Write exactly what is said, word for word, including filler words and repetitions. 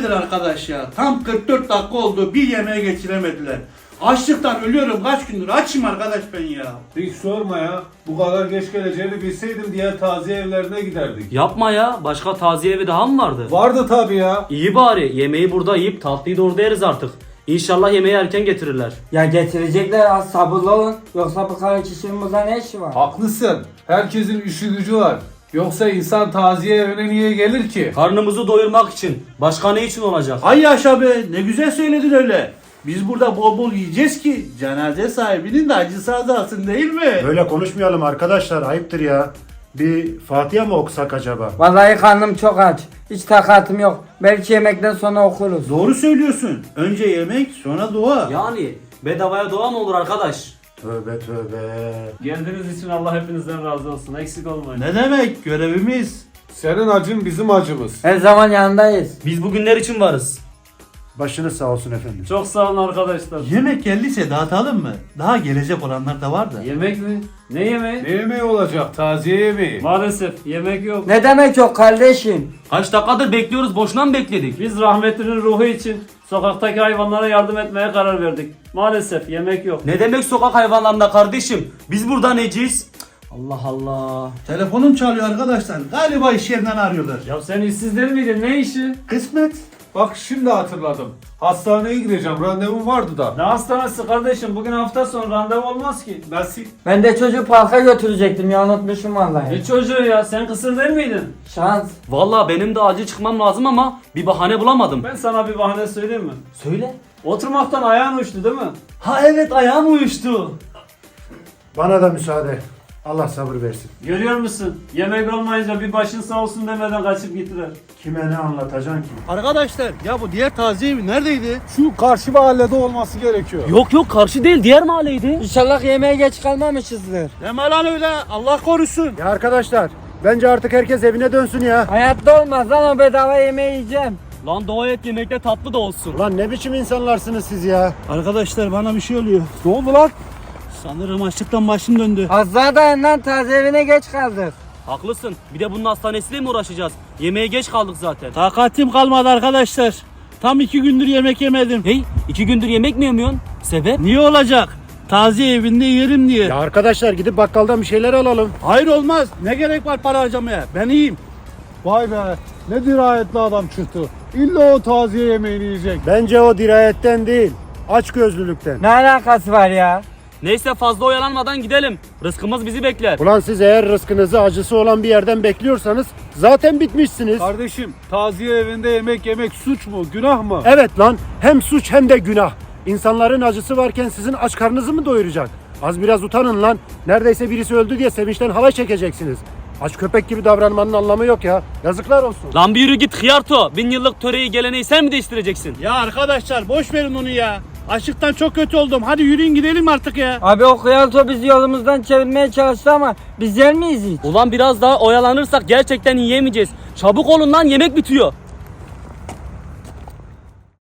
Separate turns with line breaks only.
nedir arkadaş ya? Tam kırk dört dakika oldu, bir yemeğe geçiremediler. Açlıktan ölüyorum, kaç gündür açım arkadaş ben ya.
Hiç sorma ya. Bu kadar geç geleceğini bilseydim diğer taziye evlerine giderdik.
Yapma ya. Başka taziye evi daha mı vardı?
Vardı tabii ya.
İyi bari. Yemeği burada yiyip tatlıyı da orada yeriz artık. İnşallah yemeği erken getirirler.
Ya getirecekler, az sabırlı olun. Yoksa bu kadar kişinin burada ne işi var?
Haklısın. Herkesin işi gücü var. Yoksa insan taziye evine niye gelir ki?
Karnımızı doyurmak için. Başka ne için olacak?
Ay yaşa be, ne güzel söyledin öyle. Biz burada bol bol yiyeceğiz ki cenaze sahibinin de acısı azalsın değil mi?
Böyle konuşmayalım arkadaşlar, ayıptır ya. Bir Fatiha mı okusak acaba?
Vallahi karnım çok aç. Hiç takatım yok. Belki yemekten sonra okuruz.
Doğru söylüyorsun. Önce yemek, sonra dua.
Yani bedavaya doğa mı olur arkadaş?
Tövbe tövbe.
Geldiğiniz için Allah hepinizden razı olsun. Eksik olmayın.
Ne demek? Görevimiz.
Senin acın bizim acımız.
Her zaman yanındayız.
Biz bugünler için varız.
Başınız sağ olsun efendim.
Çok sağ olun arkadaşlar.
Yemek geldiyse dağıtalım mı? Daha gelecek olanlar da var da.
Yemek mi? Ne yemeği?
Ne yemeği olacak? Taziye yemeği.
Maalesef yemek yok.
Ne demek yok kardeşim?
Kaç dakikadır bekliyoruz. Boşuna mı bekledik?
Biz rahmetlinin ruhu için sokaktaki hayvanlara yardım etmeye karar verdik. Maalesef yemek yok.
Ne demek sokak hayvanlarında kardeşim? Biz burada neciyiz? Cık, Allah Allah.
Telefonum çalıyor arkadaşlar. Galiba iş yerinden arıyorlar.
Ya sen işsiz değil miydin? Ne işi?
Kısmet.
Bak şimdi hatırladım. Hastaneye gideceğim. Randevum vardı da.
Ne hastanesi kardeşim? Bugün hafta sonu randevu olmaz ki.
Nasıl?
Ben de çocuğu parka götürecektim ya, unutmuşum vallahi.
Ne çocuğu ya? Sen kısır değil miydin?
Şans.
Vallahi benim de acil çıkmam lazım ama bir bahane bulamadım.
Ben sana bir bahane söyleyeyim mi?
Söyle.
Oturmaktan ayağın uçtu değil mi?
Ha evet, ayağım uyuştu.
Bana da müsaade. Allah sabır versin.
Görüyor musun? Yemek olmayınca bir başın sağ olsun demeden kaçıp gittiler.
Kime ne anlatacaksın ki?
Arkadaşlar ya bu diğer taziye evi neredeydi?
Şu karşı mahallede olması gerekiyor.
Yok yok, karşı değil, diğer mahalleydi.
İnşallah yemeğe geç kalmamışızdır.
Deme lan öyle. Allah korusun.
Ya arkadaşlar, bence artık herkes evine dönsün ya.
Hayatta olmaz lan, o bedava yemeği yiyeceğim.
Lan dua et yemekte tatlı da olsun.
Ulan ne biçim insanlarsınız siz ya?
Arkadaşlar bana bir şey oluyor.
Ne oldu lan?
Sanırım açlıktan başım döndü.
Az daha dayan lan, taze evine geç kaldık.
Haklısın. Bir de bunun hastanesiyle mi uğraşacağız? Yemeğe geç kaldık zaten.
Takatim kalmadı arkadaşlar. Tam iki gündür yemek yemedim.
Hey, iki gündür yemek mi yemiyorsun? Sebep?
Niye olacak? Taziye evinde yerim diye.
Ya arkadaşlar gidip bakkaldan bir şeyler alalım.
Hayır olmaz. Ne gerek var para harcamaya? Ben iyiyim.
Vay be. Ne dirayetli adam çıktı. İlla o taziye yemeğini yiyecek.
Bence o dirayetten değil, açgözlülükten.
Ne alakası var ya?
Neyse, fazla oyalanmadan gidelim. Rızkımız bizi bekler.
Ulan siz eğer rızkınızı acısı olan bir yerden bekliyorsanız zaten bitmişsiniz.
Kardeşim, taziye evinde yemek yemek suç mu? Günah mı?
Evet lan, hem suç hem de günah. İnsanların acısı varken sizin aç karnınızı mı doyuracak? Az biraz utanın lan. Neredeyse birisi öldü diye sevinçten halay çekeceksiniz. Aç köpek gibi davranmanın anlamı yok ya. Yazıklar olsun.
Lan bir yürü git hıyarto. Bin yıllık töreyi geleneği sen mi değiştireceksin?
Ya arkadaşlar boş verin onu ya. Açlıktan çok kötü oldum. Hadi yürüyün gidelim artık ya.
Abi o kıyalto bizi yolumuzdan çevirmeye çalıştı ama biz yer miyiz hiç?
Ulan biraz daha oyalanırsak gerçekten yiyemeyeceğiz. Çabuk olun lan, yemek bitiyor.